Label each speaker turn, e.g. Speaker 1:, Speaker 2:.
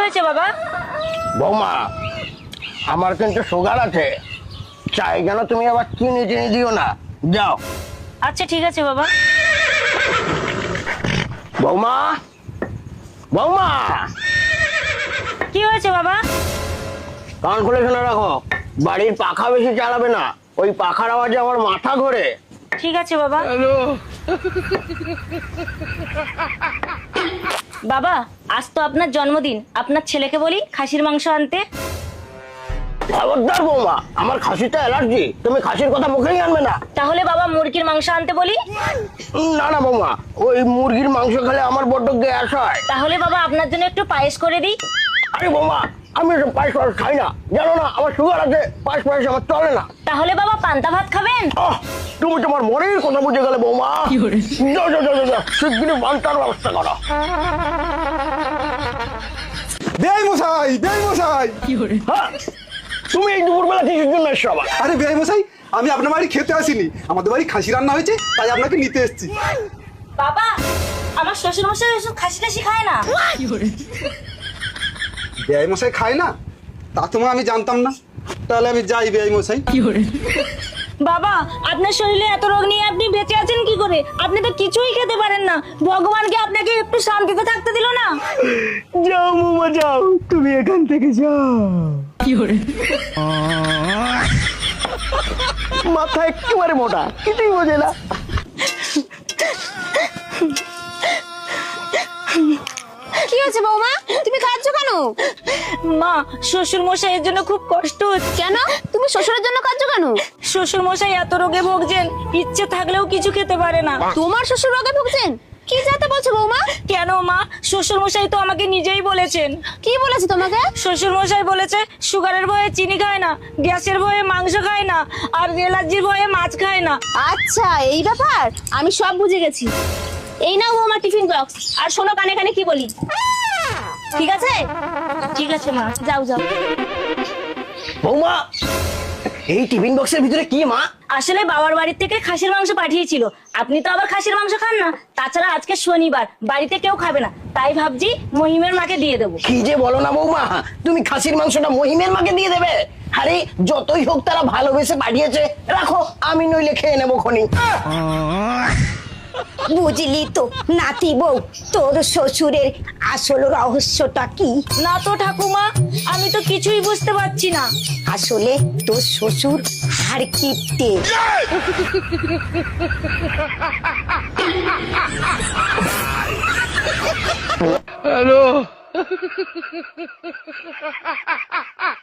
Speaker 1: হয়েছে বাবা?
Speaker 2: বৌমা, আমার কিন্তু সুগার আছে, চাই যেন তুমি আবার চিনি টিনি দিও না। যাও।
Speaker 1: আচ্ছা ঠিক আছে বাবা।
Speaker 2: বৌমা, বৌমা,
Speaker 1: কি হয়েছে বাবা?
Speaker 2: কান খুলে শুনে রাখো, বাড়ির পাখা বেশি চালাবে না, ওই পাখার আওয়াজে আমার মাথা ঘোরে।
Speaker 1: ঠিক আছে বাবা। বাবা, আজ তো আপনার জন্মদিন, আপনার ছেলেকে বলি খাসির মাংস আনতে।
Speaker 2: খবরদার বৌমা, আমার খাসিটা অ্যালার্জি, তুমি খাসির কথা মুখেই আনবে না।
Speaker 1: তাহলে বাবা মুরগির মাংস আনতে বলি।
Speaker 2: না না বৌমা, ওই মুরগির মাংস খেলে আমার বড্ড গ্যাস হয়।
Speaker 1: তাহলে বাবা আপনার জন্য একটু পায়েস করে দিই।
Speaker 2: আরে বৌমা, আমি এসব পায়েস পায়েস খাই না, জানো না আমার সুগার আছে, পায়েস পায়েস আমার চলে না।
Speaker 1: তাহলে বাবা পান্তা ভাত খাবেন?
Speaker 2: তুমি তোমার মনের কথা বুঝে গেলে বৌমা। যাও যাও যাও যাও, শিগগিরই পান্তার ব্যবস্থা করো।
Speaker 3: বেআই মশাই, বেআই মশাই।
Speaker 2: হ্যাঁ, তুমি এই দুপুরবেলা কিসের জন্য এসছো আবার?
Speaker 3: আরে বেআই মশাই, আমি আপনার বাড়ি খেতে আসিনি, আমাদের বাড়ি খাসি রান্না হয়েছে, তাই আপনাকে নিতে এসেছি।
Speaker 1: বাবা, আমার শ্বশুর মশাই ওসব খাসি টাসি খায় না।
Speaker 3: বেআই মশাই খায় না? তা তোমার আমি জানতাম না, তাহলে আমি যাই বেআই মশাই।
Speaker 1: বাবা, আপনার শরীরে এত রোগ নিয়ে আপনি বেঁচে আছেন কি করে? আপনি তো কিছুই খেতে পারেন না, ভগবানকে আপনাকে একটু শান্তিতে থাকতে দিল না।
Speaker 2: যাও বৌমা যাও, তুমি এখান থেকে যাও। মাথা একেবারে মোটা, কিছুই বোঝে না।
Speaker 4: কি হয়েছে বৌমা, তুমি কাঁদছো কেন?
Speaker 1: মা, শ্বশুর মশাইয়ের জন্য খুব কষ্ট হচ্ছে।
Speaker 4: কেন তুমি শ্বশুরের জন্য কাঁদছো কেন?
Speaker 1: শ্বশুর মশাই এত রোগে ভুগছেন, ইচ্ছে থাকলেও কিছু খেতে পারে না।
Speaker 4: তোমার শ্বশুর রোগে ভুগছেন? কি যাতে বলছো বৌমা?
Speaker 1: কেন মা, শ্বশুর মশাই তো আমাকে নিজেই বলেছেন।
Speaker 4: কি বলেছে তোমাকে?
Speaker 1: শ্বশুর মশাই বলেছে সুগারের ভয়ে চিনি খায় না, গ্যাসের ভয়ে মাংস খায় না, আর অ্যালার্জির ভয়ে মাছ খায় না।
Speaker 4: আচ্ছা এই ব্যাপার, আমি সব বুঝে গেছি। এই নাও বৌমা টিফিন বক্স, আর শোনো কানে কানে কি বলি, ঠিক আছে?
Speaker 1: ঠিক আছে মা।
Speaker 4: যাও যাও।
Speaker 2: বৌমা, এই টিফিন বক্সের ভিতরে কি মা?
Speaker 1: আসলে বাবার বাড়ি থেকে খাসির মাংস পাঠিয়েছিল, আপনি তো আবার খাসির মাংস খান না, তাছাড়া আজকে শনিবার, বাড়িতে কেউ খাবে না, তাই ভাবছি মহিমের মাকে দিয়ে দেবো।
Speaker 2: কি যে বলো না বৌমা, তুমি খাসির মাংসটা মহিমের মাকে দিয়ে দেবে? আরে যতই হোক তারা ভালোবেসে পাঠিয়েছে, রাখো, আমি নইলে খেয়ে নেবো খনি।
Speaker 5: বুঝলি তো নাতি বউ, তোর শ্বশুরের আসল রহস্যটা কি?
Speaker 1: না তো ঠাকুমা, আমি তো কিছুই বুঝতে পারছি না।
Speaker 5: আসলে তোর শ্বশুর হাড় কিপটে।
Speaker 2: হ্যালো।